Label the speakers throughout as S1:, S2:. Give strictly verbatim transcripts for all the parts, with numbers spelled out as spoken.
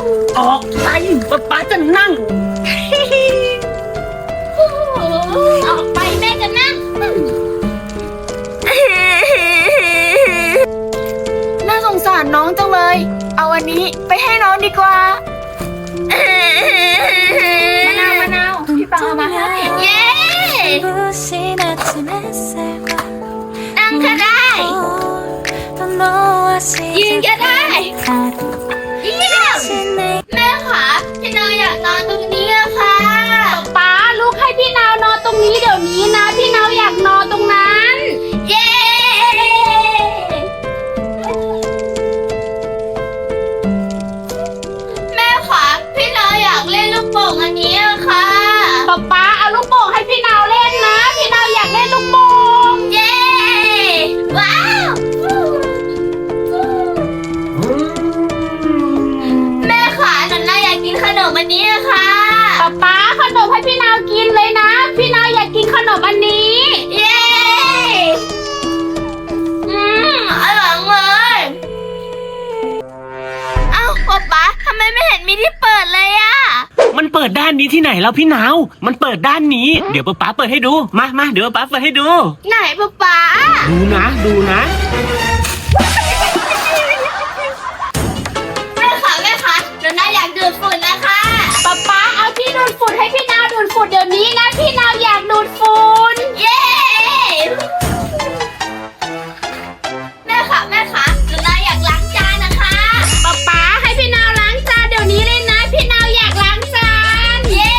S1: ออกไปป๊าป๊าจะนั่ง
S2: ออกไปแม่จะนั่ง
S3: น่าสงสารน้องจังเลย เอาอันนี้ไปให้น้องดีกว่ามะนาวมะนาวพี่ปังเอามาให้
S2: เย้นั่งก็ได้ยืนก็ได้เยี่ยมแม่คะพี่นาวอยากนอนตรงนี้อะค่ะ
S3: ป๊าลูกให้พี่นาวนอนตรงนี้เดี๋ยวนี้นะพี่นาวอยากนอนตรงนั้น
S2: เย้แม่คะพี่นาวอยากเล่นลูกโป่งอันนี้อะค่ะ
S3: ป๊าป๊าเอาลูกโป่งให้พี่นาวเล่นนะพี่นาวอยากเล่นลูกโป่ง
S2: เย้ว้าวแม่คะหนูน่าอยากกินขนมอันนี้อะค่ะ
S3: ป๊าป๊าขนมให้พี่นาวกินเลยนะพี่นาวอยากกินขนมอันนี้
S2: เย้อืมอร่อยเลยเอ้าป๊าป๊าทำไมไม่เห็นมีที่เปิดเลยอะ
S1: มันเปิดด้านนี้ที่ไหนแล้วพี่นาวมันเปิดด้านนี้เดี๋ยวป๊าป๊าเปิดให้ดูมามาเดี๋ยวป๊าเปิดให้ดู
S2: ไหนป๊าป๊า
S1: ดูนะดูนะ
S2: แม่คะแม่คะหนูน่าอยากดูดฝุ่นนะคะ
S3: ป๊าป๊าเอาที่ดูดฝุ่นให้พี่นาวดูดฝุ่นเดี๋ยวนี้นะพี่นาวอยากดูดฝุ่น
S2: เย้แม่คะแม่คะหนูน่าอยากล้างจานนะคะ
S3: ป๊าป๊าให้พี่นาวล้างจานเดี๋ยวนี้เลยนะพี่นาวอยากล้างจาน
S2: เย้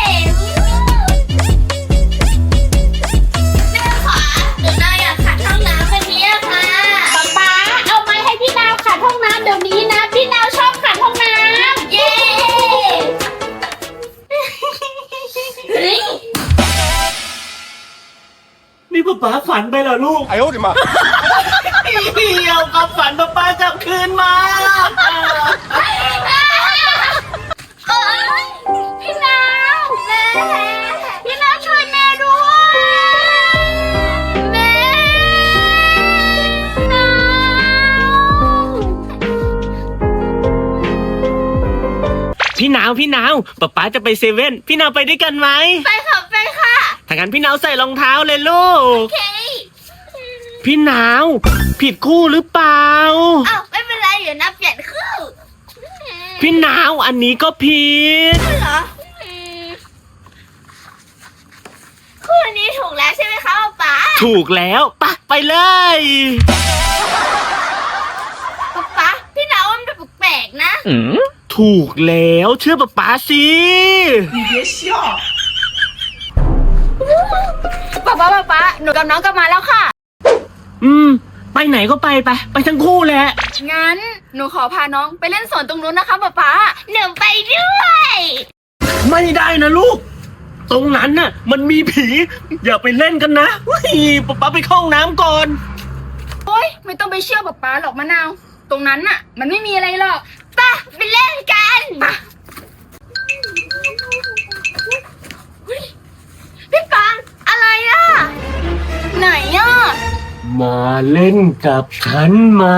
S2: แม่คะหนูน่าอยากขัดห้องน้ำแบบนี้ค่ะ
S3: ป๊าป๊าเอาไม้ให้พี่นาวขัดห้องน้ำเดี๋ยวนี้นะพี่นาวชอบขัดห้องน้ำ
S2: เย้
S1: นี่ป๊าป๊าฝันไปเหรอลูก
S4: 哎呦我的妈！
S1: เดี๋ยวกับฝันป๊าป๊ากลับคืนมา
S3: พี่นาวแม่พี่นาวช่วยแม่ด้วยแม่นาว
S1: พี่นาวพี่นาวป๊าป๊าจะไปเซเว่นพี่นาวไปด้วยกันไหม
S2: ไปค่ะไปค่ะ
S1: ถ้างั้นพี่นาวใส่รองเท้าเลยลูก
S2: โอเค
S1: พี่นาวผิดคู่หรือเปล่า
S2: อ้าวไม่เป็นไรเดี๋ยวนับเปลี่ยนคู่
S1: พี่นาวอันนี้ก็ผิด
S2: เหรอคู่นี้ถูกแล้วใช่ไหมคะป๊า
S1: ถูกแล้วปะไปเลย
S2: ป๊าป๊าพี่นาวมันดูแปลกๆนะ
S1: ถูกแล้วเชื่อป๊าป๊าสิ
S3: ป๊าป๊าป๊าป๊าหนูกับน้องกลับมาแล้วค่ะ
S1: อืมไปไหนก็ไปไปไปทั้งคู่แหละ
S3: งั้นหนูขอพาน้องไปเล่นสวนตรงนู้นนะคะป๊าป๊า
S2: หนูไปด้วย
S1: ไม่ได้นะลูกตรงนั้นน่ะมันมีผีอย่าไปเล่นกันนะว้ยป๊าป๊าไปเข้าห้องน้ำก่อน
S3: โอ๊ยไม่ต้องไปเชื่อป๊าป๊าหรอกมะนาวตรงนั้นน่ะมันไม่มีอะไรหรอก
S2: ไปไปเล่นกันพี่ปังอะไรอ่ะ
S3: ไหนอ่ะ
S1: มาเล่นกับฉันไหม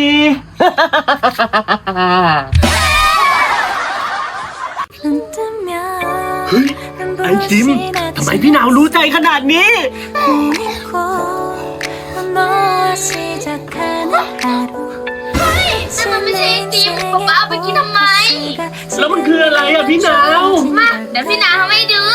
S1: เฮ้ยไอ้จิมทำไมพี่นาวรู้ใจขนาดนี้
S2: เฮ้ยแต่มันไม่ใช่ไอติมป๊าป๊าเอาไปกินทำไม
S1: แล้วมันคืออะไรอ่ะพี่นาว
S2: มาเดี๋ยวพี่นาวทำให้ดู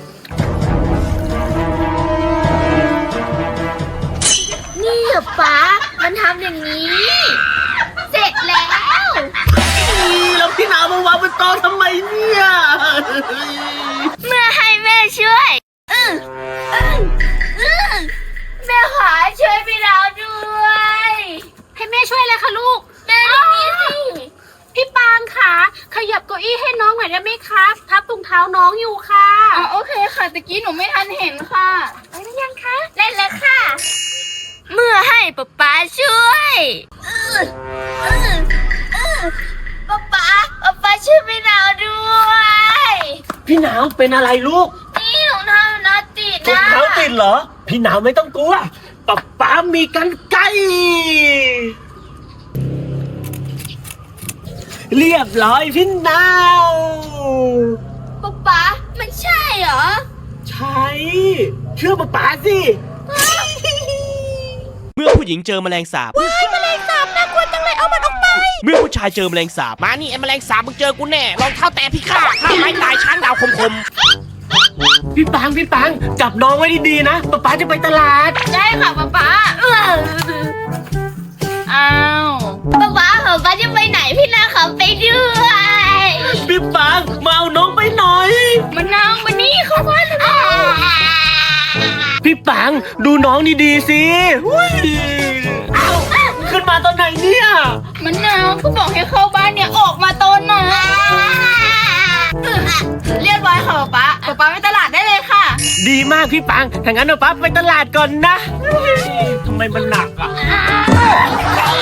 S2: นี่เหรอป๊ามันทำอย่างนี้เสร็จแล้ว
S1: แล้วพี่นาวมาวางบนโต๊ะทำไมเนี่ย
S2: เมื่อให้แม่ช่วยอืออืออือแม่ขอช่วยพี่นาวด้วย
S3: ให้แม่ช่วยเลยค่ะลูก
S2: แม่ตรงนี้สิ
S3: พี่ปางค่ะขยับเก้าอี้ให้น้องหน่อยได้ไหมคะทับถุงเท้าน้องอยู่ค่ะ
S2: อ๋อโอเคค่ะตะกี้หนูไม่ทันเห็นค่ะ
S3: ไปหรือยังคะ
S2: เล่นแล้วค่ะเมื่อให้ป๊าป๊าช่วยป๊าป๊าป๊าป๊าช่วยพี่นาวด้วย
S1: พี่นาวเป็นอะไรลูก
S2: นี่ถุงเท้าน้าติดนะ
S1: ถุงเท้าติดเหรอพี่นาวไม่ต้องกลัวป๊าป๊ามีกรรไกรเรียบร้อยพี่นาว
S2: ป๊าป๊ามันใช่เหรอ
S1: ใช่เชื่อป๊าป๋าสิ
S4: เมื่อผู้หญิงเจอแมลงสาบ
S3: ว้ายแมลงสาบน่ากลัวจังเลยเอามันออกไป
S4: เมื่อผู้ชายเจอแมลงสาบ มานี่ไอ้แมลงสาบมึงเจอกูแน่รองเท้าแตะพี่ข้าข้าไม้ตายช้างดาวคมคม
S1: พี่ปังพี่ปังจับน้องไว้ดีๆนะป๊าป๋าจะไปตลาด
S2: ได้ค่ะป๊าป๊าเออ
S3: อ้าว
S2: ป๊าป๊าป๊าป๊าจะไปไหนพี่นาขอไปด้วย
S1: พี่ปังมาเอาน้องไปหน่อย
S3: มันนางมานี่เข้าบ้านเลย
S1: พี่ปังดูน้องดีๆสิหุ้ยเอ้าขึ้นมาตอนไหนเนี่ย
S3: มันนางก็บอกให้เข้าบ้านเนี่ยออกมาตอนไหน เรียบร้อยค่ะป๊าป๊าป๊าไปตลาดได้เลยค่ะ
S1: ดีมากพี่ปังถ้างั้นป๊าไปตลาดก่อนนะเฮ้ยทำไมมันหนักอ่ะ